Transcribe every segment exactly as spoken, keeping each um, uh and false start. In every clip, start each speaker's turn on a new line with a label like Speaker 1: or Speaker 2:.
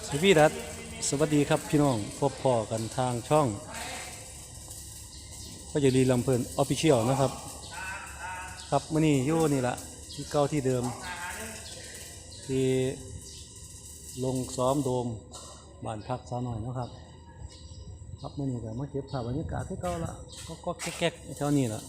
Speaker 1: สวีดัสสวัสดีครับพี่น้องพบพ่อกันทางช่องก็จะรีลำเพลินออฟฟิเชียลนะครับครับมื่อนี้อยู่นี่ละที่เก้าที่เดิมที่ลงซ้อมโดมบ้านพักสาวน้อยนะครับครับมื่อนี้ก็มาเก็บภาพบรรยากาศที่เก้าละก็ก็แก๊กๆเท่านี้ละ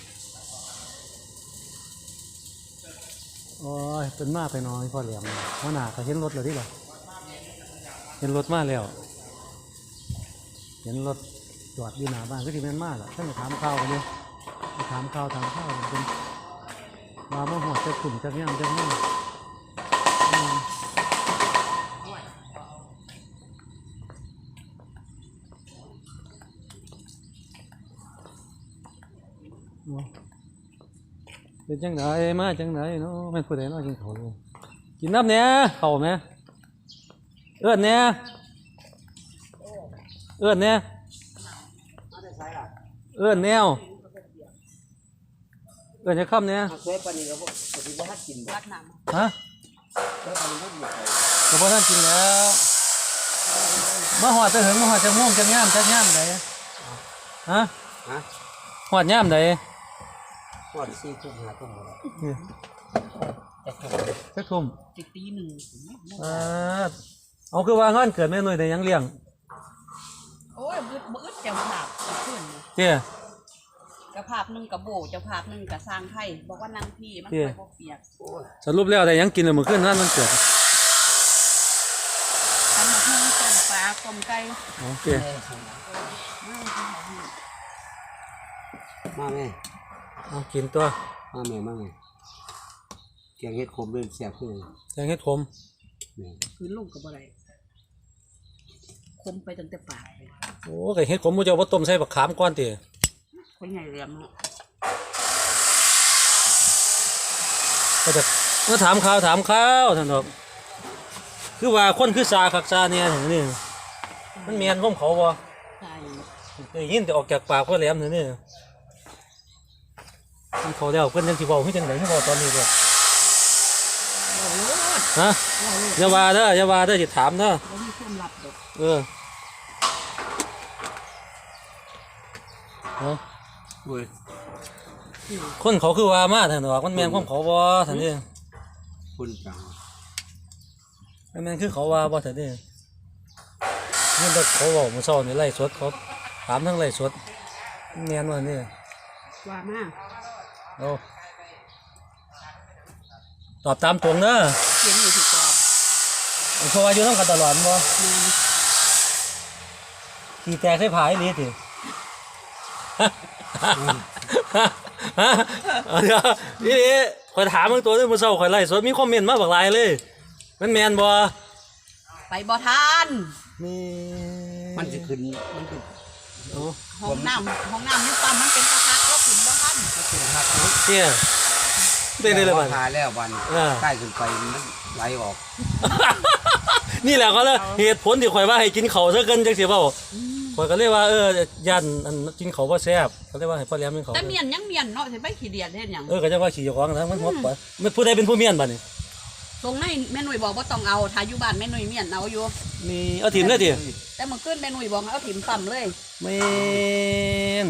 Speaker 1: โอ้ยเป็นมาไปน้อยพ่อแหลมหัวหน้าก็เห็นรถเลยดิหรอเห็นรถมาแล้วเห็นรถจอดอยู่หน้าบ้านก็ที่แม่นมากอ่ะท่านจะถามข่าวกันเลยถามข่าวถามข่าวกันเป็นมาเมื่อหัวจะขุ่มจะเงี้ยจะเงี้ยเป็นจังไหนมาจังไหนเนาะแม่นผู้ใดเนาะกินเขาเลยกินน้ำเนี้ยเข่าไหมเอื้อนเนี้ยเอื้อนเนี้ยเอื้อนแนวเอื้อนจะค่ำเนี้ยฮะก็บ่ท่านกินแล้วมาหอดจะถึงมาหอดจะม่วงจะย่ามจะย่ามไหนฮะหอดย่ามไหน
Speaker 2: หอดสี่ทุ่มห้าทุ่ม
Speaker 1: สักทุ่ม
Speaker 2: จะตีหนึ่ง
Speaker 1: เอาคือว่างานเกิดแม่หน่วยแต่ยังเลี้ยง
Speaker 3: โอ้ยบึดบึดเจ้าภาพขึ้น
Speaker 1: เจ้า
Speaker 3: เจ้าภาพหนึ่งกับโบเจ้าภาพหนึ่งกับสร้างไทยบอกว่านางพี่มันไปพวกเปียก
Speaker 1: สรุปแล้วแต่ยังกินเลยเมื่อคืนนั่นมันเกิด
Speaker 3: ทำมาหุ้งต้มปลาต้มไก่
Speaker 1: โอเค
Speaker 2: มาแม่
Speaker 1: เอากินตัว
Speaker 2: มาแม่มาแม่แกงเห็ดขมเลยแซ่บเลย
Speaker 1: แกงเห็ดขม
Speaker 3: คืนลงกับอะไรคมไปตั้งแต่ปาก
Speaker 1: โอ้ไก่เห็ดขมมูจะว่าต้มใส่บักขามก้อนตี
Speaker 3: คนใหญ่เรียม
Speaker 1: ก็จะเมื่อถามข่าวถามข่าวท่านบอกคือว่าคนคือซาคักซาเนี่ยอย่างนี้มันเมียนร่มเขาบ่ไอ้ยินแต่ออกจากปากก็แหลมเนี่ยนี่มันเขาแล้วเพื่อนยังที่บอกให้จังไหนให้บอกตอนนี้เลยฮะอย่าว่าเด้ออย่าว่าเด้อจะถามเด้อเออคนเขาคือว่ามาท่านบอกมันแมนของเขาบ่ท่านนี่
Speaker 2: คุณจัง
Speaker 1: แมนคือเขาว่าบ่ท่านนี่นี่แต่เขาบอกมันเศร้าในไร่สดเขาถามทั้งไร่สดแมนว่านี่
Speaker 3: ว่ามา
Speaker 1: โอ้ตอบตามตรงเด้อ
Speaker 3: เขียนอยู่ที่ตอบ
Speaker 1: เพราะว่าอยู่ต้องกันตลอดบ่ขี่แตกใส่ผายนี่สิเดี๋ยวนี่นี่คอยถามมึงตัวนึงมึงเศร้าคอยไล่สดมีคอมเมนต์มาบักหลายเลยมันแมนบ่
Speaker 3: ไปบ่ทัน
Speaker 1: นี่
Speaker 2: มันจะขึ้นมันขึ้น
Speaker 3: ห้องน้ำห้องน้ำนี่ปั๊มมันเป็นกระทะแล้วขึ้นบ่ทัน
Speaker 2: เป็นหัก
Speaker 1: เชี่ยได้เลยบ้าน
Speaker 2: ทาแล้ววันใกล้ขึ้นไปมันไหลออก
Speaker 1: นี่แหละก็เลยเหตุผลที่ข่อยว่าให้กินเขาซะเกินจังสิเปล่าข่อยก็เรียกว่าเออย่านกินเขาว่าแซ่บเขาเรียกว่าให้พ่อเลี้ยงกินเขา
Speaker 3: แต่เมียนยังเมียนเนาะจะไม่ขี้เดียดเห็นยัง
Speaker 1: เออก็จะว่าขี้ของนะมันหัวปะมันผู้ใดเป็นผู้เมียนบ้านี่
Speaker 3: ตรงนี้แม่หนุ่ยบอกว่าต้องเอาถ้าอยู่บ้านแม่หนุ่ยเมียนเอาอยู่
Speaker 1: นี่เอาถิ่มเลยดิ
Speaker 3: แต่เมื่อคืนแม่หนุ่ยบอกเอาถิ่มปั๊มเลย
Speaker 1: เมน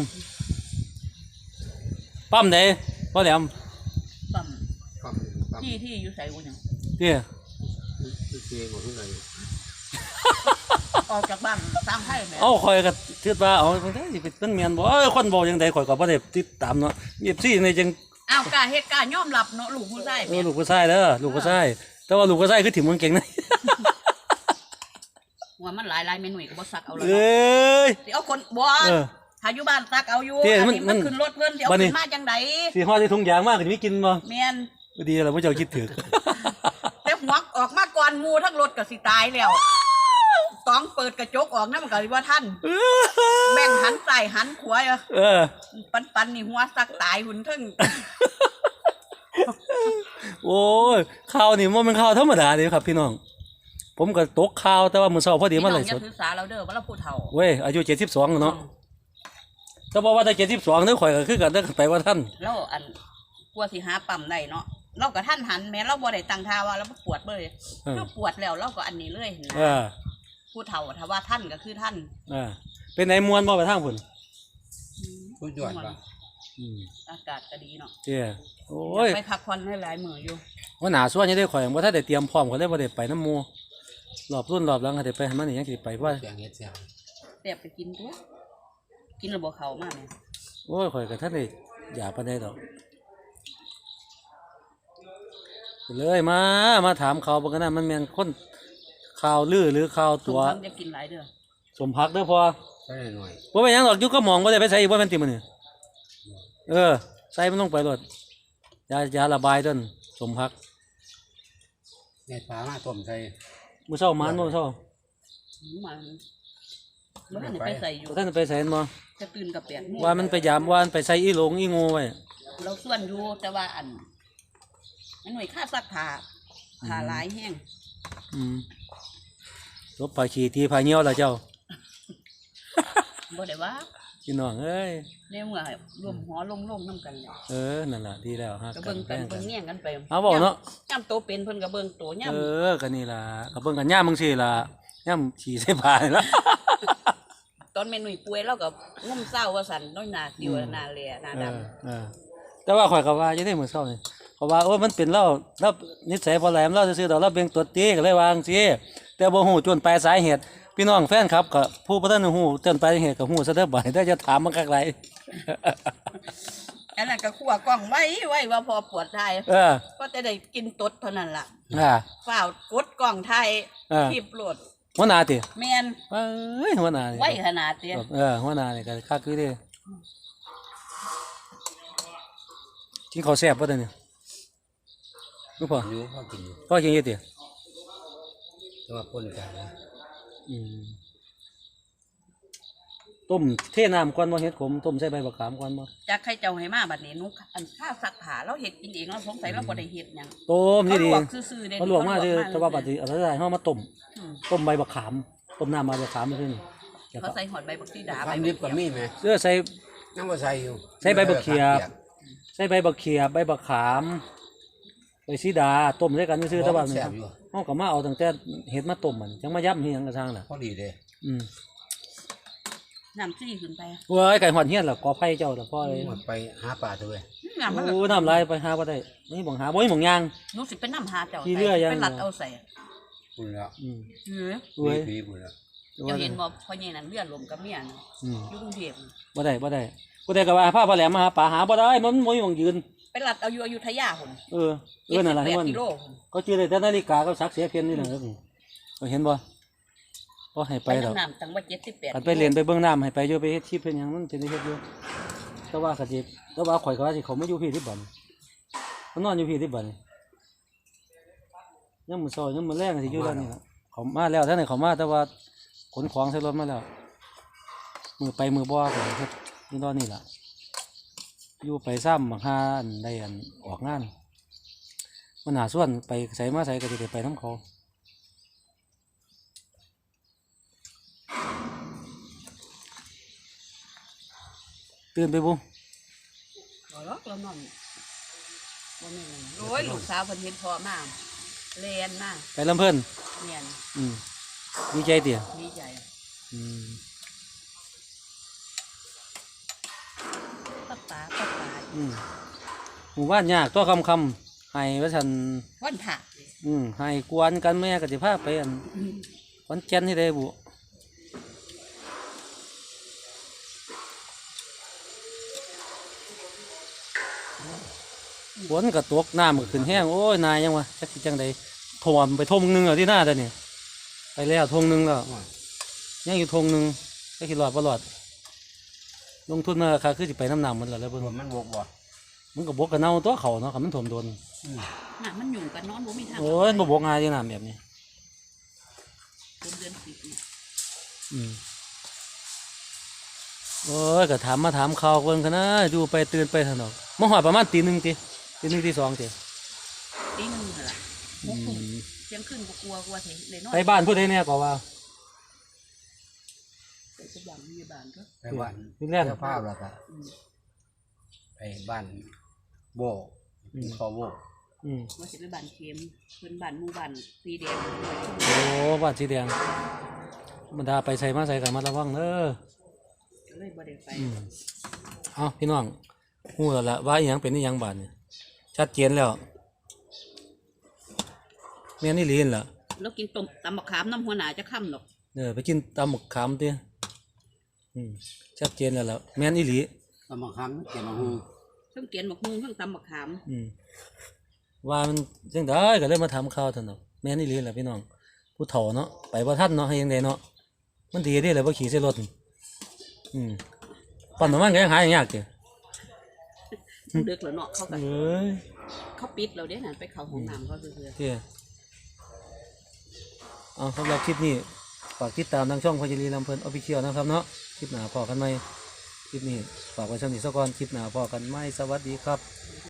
Speaker 1: ปั๊มไหนพ่อเลี้ยง
Speaker 3: ปั๊มที่ที่อยู่ใส่กูยัง
Speaker 1: เนี่ย
Speaker 3: ออกจากบ้านสร้างให้แม่
Speaker 1: เอาคอยกับเชื่อว่าเอาเป็นได้เป็นเมียนบ่เออคนบอกยังไงคอยกับประเดี๋ยวติดตามเนาะเย็บซี่ในจัง
Speaker 3: อ้าวกาเหตุการณ์ยอมรับเนาะลูกผู้ชาย
Speaker 1: เออลูกผู้ชายเด้อลูกผู้ชายแต่ว่าลูกผู้ชายคือถิ่มมันเก่งนะ
Speaker 3: หัวมันหลายลายเมนูก็บ่ซักเอาเลย
Speaker 1: เอ้ย
Speaker 3: เอาคนบ่ถ้าอยู่บ้านซักเอาอยู่มันขึ้นรถเพิ่นเดี๋ยวขึ้นมาจังได
Speaker 1: สิฮอดที่ทุ่งยางมากก็มีกินบ่
Speaker 3: แม่น
Speaker 1: ดีแล้วบ่เจ้าคิดถึง
Speaker 3: แต่หัวออกมาก่อนงูทั้งรถก็สิตายแล้วต้องเปิดกระจกออกนะมันก็ว่าท่านแบ่งหันใส่หันขวาเออปันปันนี่หัวสักตายหุ่นทึ่ง
Speaker 1: โอ้ยข่าวนี่มันเป็นข่าวธรรมดาเลยครับพี่น้องผมก็ตกข่าวแต่ว่ามือเช้าพอดีมันเลย
Speaker 3: สดศึกษาเราเด้อว่าเราพูดเท่า
Speaker 1: เว้ยอายุเจ็ดสิบสองเนาะแต่บอกว่าแต่เจ็ดสิบสองนึกข่อยก็คือกันได้ไปว่าท่าน
Speaker 3: แล้วอันกลัวสิหาปั๊มได้เนาะเราก็ท่านหันแม้เราบ่ได้ตั้งท่าว่าเราปวดเลย
Speaker 1: เออ
Speaker 3: เราปวดแล้วเราก็อันนี้เลยนะ
Speaker 1: เออ
Speaker 3: ผู้เฒ่าถ้าว่าท่านก็คือท่าน
Speaker 1: เออเป็นไหนมวนบ่ไปทางพุ่น
Speaker 2: สุดยอดป่ะ
Speaker 1: อืม
Speaker 3: อากาศก็ดีเนาะ
Speaker 1: เจ้โอ้ย
Speaker 3: ไปพักผ่อนให้หลายมื้ออยู่
Speaker 1: ว่าหนาส่วนยังได้ข่อยบ่ทันได้เตรียมพร้อมก็เลยบ่ได้ไปน้ำหมู่รอบรุ่นรอบหลังก็ได้ไปให้มันนี่ยังสิไปว่า
Speaker 2: แกงเห็ดแซ่บ
Speaker 3: แต่ไปกินตัวกินแล้วบ่เข้ามาแม่
Speaker 1: โอ้ยข่อยก็ท่านได้อยากปานใดดอกเลยมามาถามเขาวบ่กันนะมันแม่นคนข่าวลือหรือข่าว
Speaker 3: ตั
Speaker 1: ตัว ว
Speaker 3: จะกินหลายเด้อ
Speaker 1: สมพักเด้อพอ
Speaker 2: ใส่หน่อย
Speaker 1: บ่เป็นหยังดอกอยู่ก็มองบ่ได้ไปใส่อีกบ่แม่นติมื้อนี้เออใส่มันลงไปโลดยายาระบายต้นสมพัก
Speaker 2: เห็ดปลามาต้มใส่
Speaker 1: มื้อเช้ามันบ่มื้อเช้า
Speaker 3: หืมมันบ่ทันได้ไปใส่อยู่
Speaker 1: บ่ทันได้ไปใส่มันบ่
Speaker 3: จะตื่นกับแปดโมง
Speaker 1: ว่ามันไปยามว่ามันไปใส่อีหลงอีงูไว้
Speaker 3: เราส่วนอยู่แต่ว่าอันอันหน่วยค่าซักผ้าผ้าหลายแห้ง
Speaker 1: อืมลบปลาขี้ตีปลาเหี่ยวล่ะเจ้า
Speaker 3: บ่ได้ว่า
Speaker 1: พี่น้องเอ้ย
Speaker 3: ในเมื่อรวมหัวลงลงน้ำกันแล้ว
Speaker 1: เออนั่นล่ะดีแล้วฮะ
Speaker 3: ก็เบิ่งกันเบิ่งแย่งกันไป
Speaker 1: เอาบอกเนาะ
Speaker 3: ย่ำโตเป็นเพิ่นก็เบิ่งโตย่
Speaker 1: เออก็นี่ล่ะก็เบิ่งกันย่ามมึงสิล่ะย่ามฉี่ใส่ผ้านี่ล่ะ
Speaker 3: ำตอนแม่หนุ่ยป่วยเราก็งุ่มเศร้าว่าสั่นน้อยหนาติวหนาแหล่หนา
Speaker 1: เอ
Speaker 3: ด
Speaker 1: อเออแต่ว่าข่อยก็ว่าอยู่ในมื้อเช้านี่เพราะว่าโอ้ยมันเป็นเราเรานิสัยบ่แหลมเราซื่อๆดอกเราเบ่งตัวตีก็เลยวาจั่งซี่แต่บ่ฮู้จนปลายสาเหตุพี่น้องแฟนครับก็ผู้บ่ทันฮู้จนปลายเหตุก็ฮู้ซะเด้อบ่ได้จะถามมันคักหลาย
Speaker 3: ำอันนั้นก็ขั่วกล้องไว้ไว้ว่าพอปวดท้าย
Speaker 1: เออ
Speaker 3: ก็จะได้กินตดเท่านั้นล่ะ
Speaker 1: อ่า
Speaker 3: ฝ้าวกดกล้องไทย
Speaker 1: เออ
Speaker 3: คลิปโหลด
Speaker 1: หัวหน้าติ
Speaker 3: แม่น
Speaker 1: เอ้ยหัวหน้านี่
Speaker 3: ไว้ขนาดเนี้ย
Speaker 1: เออหัวหน้านี่ก็คักอยู่เด้กินข้าวแซ่บบ่ตอนนี้รู้ป่ะ
Speaker 2: อยู่พอกินอยู่
Speaker 1: พ่อกินอยู่ติ
Speaker 2: แต่ว่าป่นกันนะ
Speaker 1: อืมต้มเทน้ำก่อนบ่เฮ็ดขมต้มใส่ใบบักขามก่อนบ่
Speaker 3: จากใครเจ้าให้มาบัดนี้นุกอันข้าวซักผ้าเราเฮ็ดกินเองเราสงสัยเราบ่ได้เฮ็ดหยัง
Speaker 1: ต้ม
Speaker 3: เขา
Speaker 1: นี่
Speaker 3: ล
Speaker 1: ดี
Speaker 3: วกซื่อๆเด้
Speaker 1: เขาลวกมาซื่อแต่ว่าบัดนี้เอาใส่เฮามาต้ม
Speaker 3: อืม
Speaker 1: ต้มใบบักขามต้มน้ำใบบักขามซื่อนี่แล้ว
Speaker 3: เขา
Speaker 1: ก็
Speaker 3: ใส่หอดใบบักซีดา
Speaker 2: ความดิบก็มีไหม
Speaker 1: เสื้อใส่
Speaker 2: ยังบ่ใส่อยู่
Speaker 1: ใส่ใบบักเขียบ ใส่ใบบักเขียบใบบักขามใบสีดาต้มใส่กันซื่อๆแต่ว่า
Speaker 2: แซ่บอยู่
Speaker 1: เฮาก็มาเอาตั้งแต่เฮ็ดมาต้มมันจังมาย่ำเฮียงกระช่างน่ะ
Speaker 2: พอดีเลย
Speaker 1: อืม
Speaker 3: น้ำซี่ขึ้นไป
Speaker 1: เว้ยไก่หอดเฮียนล่ะกอไผ่เจ้าล่ะพ่อเลย
Speaker 2: หมดไปหาปลาตัวเว้ย
Speaker 3: น้ำมันก็
Speaker 1: โอ้น้ำลายไปหาบ่ได้นี่บ่หาบ่มีหม่องย่าง
Speaker 3: หนูสิเป็นน้ำหาเจ้า
Speaker 1: ขี้เลื่อยยัง
Speaker 3: เป็นหลัดเอาใส่
Speaker 2: ปุ่นแล้ว
Speaker 1: อืม
Speaker 3: เออ
Speaker 1: เว้ย
Speaker 2: ปีปุ่นแล้ว
Speaker 3: เจ้าเห็นบ่พ่อใหญ่นั่นเลือดลมกับเมียน่ะ
Speaker 1: อืม
Speaker 3: อยู่กรุงเทพ
Speaker 1: บ่ได้บ่ได้กูได้ก็ว่าพาพ่อแหลมมาหาป่าหาบ่ได้มันบ่มีหม่องยืน
Speaker 3: เป็นหลัดเอาอยู่อยุธยาพุ่น
Speaker 1: เออเออนั่นล่ะ
Speaker 3: เจ็ด
Speaker 1: ให้
Speaker 3: สิบแปด
Speaker 1: มัน
Speaker 3: กิโลพุ่น
Speaker 1: ก็จื้อได้แต่นาฬิกากับสักเสียเพียนนี่แหละเออก็เห็นบ่บ่ให้ไป
Speaker 3: ไป
Speaker 1: ดอก
Speaker 3: น้ำตั้งว่าเจ็ดสิบแปด
Speaker 1: กันไปเรียนไปเบิ่งน้ำให้ไปอยู่ไปเฮ็ดชีพเพิ่นหยังมันเป็นได้เฮ็ดอยู่แต่ว่าก็สิแต่ว่าข่อยก็ว่าสิเขามาอยู่พี่ที่บ้านมันนอนอยู่พี่ที่บ้านยังมื้อเช้ายังมื้อแลงก็สิอยู่แล้วนี่ล่ะเขามาแล้วท่านนี่เขามาแต่ว่าขนของใส่รถมาแล้วมือไปมือบ่ก็เฮ็ดอยู่ตอนนี้ล่ะอยู่ไปซ้ำบักหาอันได้อันออกงานมันหาส่วนไปใส่มาใส่ก็สิได้ไปนํเขาตื่นไปบุ
Speaker 3: บ่หรอกเรานอนบ่แม่นนั่นโอ้ยลูกสาวเพิ่นเห็นพ่อมาเรียนมา
Speaker 1: ไปลำเพิ่น
Speaker 3: เรียน
Speaker 1: อืมดีใจเตี่ย
Speaker 3: ดีใจ
Speaker 1: อืม
Speaker 3: ปักตาปักตา
Speaker 1: อืมหมู่บ้านยากตัวคำคำให้ว่าฉัน
Speaker 3: วันผัก
Speaker 1: อืมให้กวนกันแม่ก็สิพาไปอันวันจันทร์ที่ได้บุฝนก็ตกน้ำก็ขึ้นแห้งโอ้ยนายยังวะจักสิจังใดท่วมไปทงหนึงแล้วที่หน้าตอนนี้ไปแล้วทงหนึงแล้วยังอยู่ทงหนึงก็คิดรอดบ่รอดลงทุนมาค่ะคือสิไปน้ำหนำมันแล้วแล้วเบิ่ง
Speaker 2: มันบกบ่
Speaker 1: มันก็บกกันเน่าตัวเขาเนาะคันมันถ่วมโดน
Speaker 3: น่ะมันอยู่กันนอนบ่มีทาง
Speaker 1: โอ้ยมันบ่บกง่ายที่น้ำแบบนี้
Speaker 3: เดือนเดือนสิบเนี่ย
Speaker 1: อืมโอ้ยก็ถามมาถามข่าวคนกันนะดูไปตื่นไปถนอกมาหอดประมาณตีหนึ่งตีตีหนึ่งตีสองตี
Speaker 3: ตีหนึงนั่นล่ะ
Speaker 1: อื
Speaker 3: หกทุ่ม
Speaker 1: ม
Speaker 3: เที่ยงคืนก็กลัวกลัวเสิเลยนอน
Speaker 1: ไปบ้านผู้ใดเนี่ยก็ว่า
Speaker 3: ไปสว่างพยาบาลก็
Speaker 2: ไปบ้าน
Speaker 1: ที่แรก
Speaker 2: เจ้าภาพแล้วก็
Speaker 3: อืม
Speaker 2: ไปบ้านโบกินข้าวโบ
Speaker 1: อืม
Speaker 3: ว่าสิไปบ้านเข็มเพิ่นบ้านหมู่บ้านสีแดง
Speaker 1: โอ้บ้านสีแดงบรรดาไปใส่มาใส่กันมาระวังเด้อ
Speaker 3: ก็เลยบ่ได้ไป
Speaker 1: อืมเอาพี่น้องฮู้แล้วล่ะว่าอีหยังเป็นอีหยังบาดเนี่ยชัดเจนแล้วแม่นอี่ลีนล่ะ
Speaker 3: แล้วกินต้มตำบักขามน้ำหัวหน้าจะค่ำหรอก
Speaker 1: เออไปกินตำหมกขามติอืมชัดเจนแล้วล่ะแม่นอีหลี
Speaker 2: ตำบักคำเกี่ยวกับหู
Speaker 3: เทั้งเกียนบักฮุงเทั้งตำบักขาม
Speaker 1: อืมว่ามันจังได้ก็เลยมาทำข้าวซั่นเนาะแม่นอีหลีล่ะพี่น้องผู้เฒ่าเนาะไปบ่ทันเนาะให้ยังไดเนาะมันดีเด้แหละบ่ขี่ใส่รถนี่อืมปั่นน้ำมันก็ยังหาอย่างยากเด้
Speaker 3: เด็กแล้วเนาะเขาก็
Speaker 1: เอ้ย
Speaker 3: เขาปิดเราเด้นั่นไปเข้าห้องน้ำเขาซื่อ
Speaker 1: เด้เอาสำหรับคลิปนี้ฝากติดตามทางช่องพญาลีลำเพลินออฟฟิเชียลนะครับเนาะคลิปหน้าพอกันไหมคลิปนี้ฝากไว้ช่องนี้ซะก่อนคลิปหน้าพอกันไหมสวัสดีครับ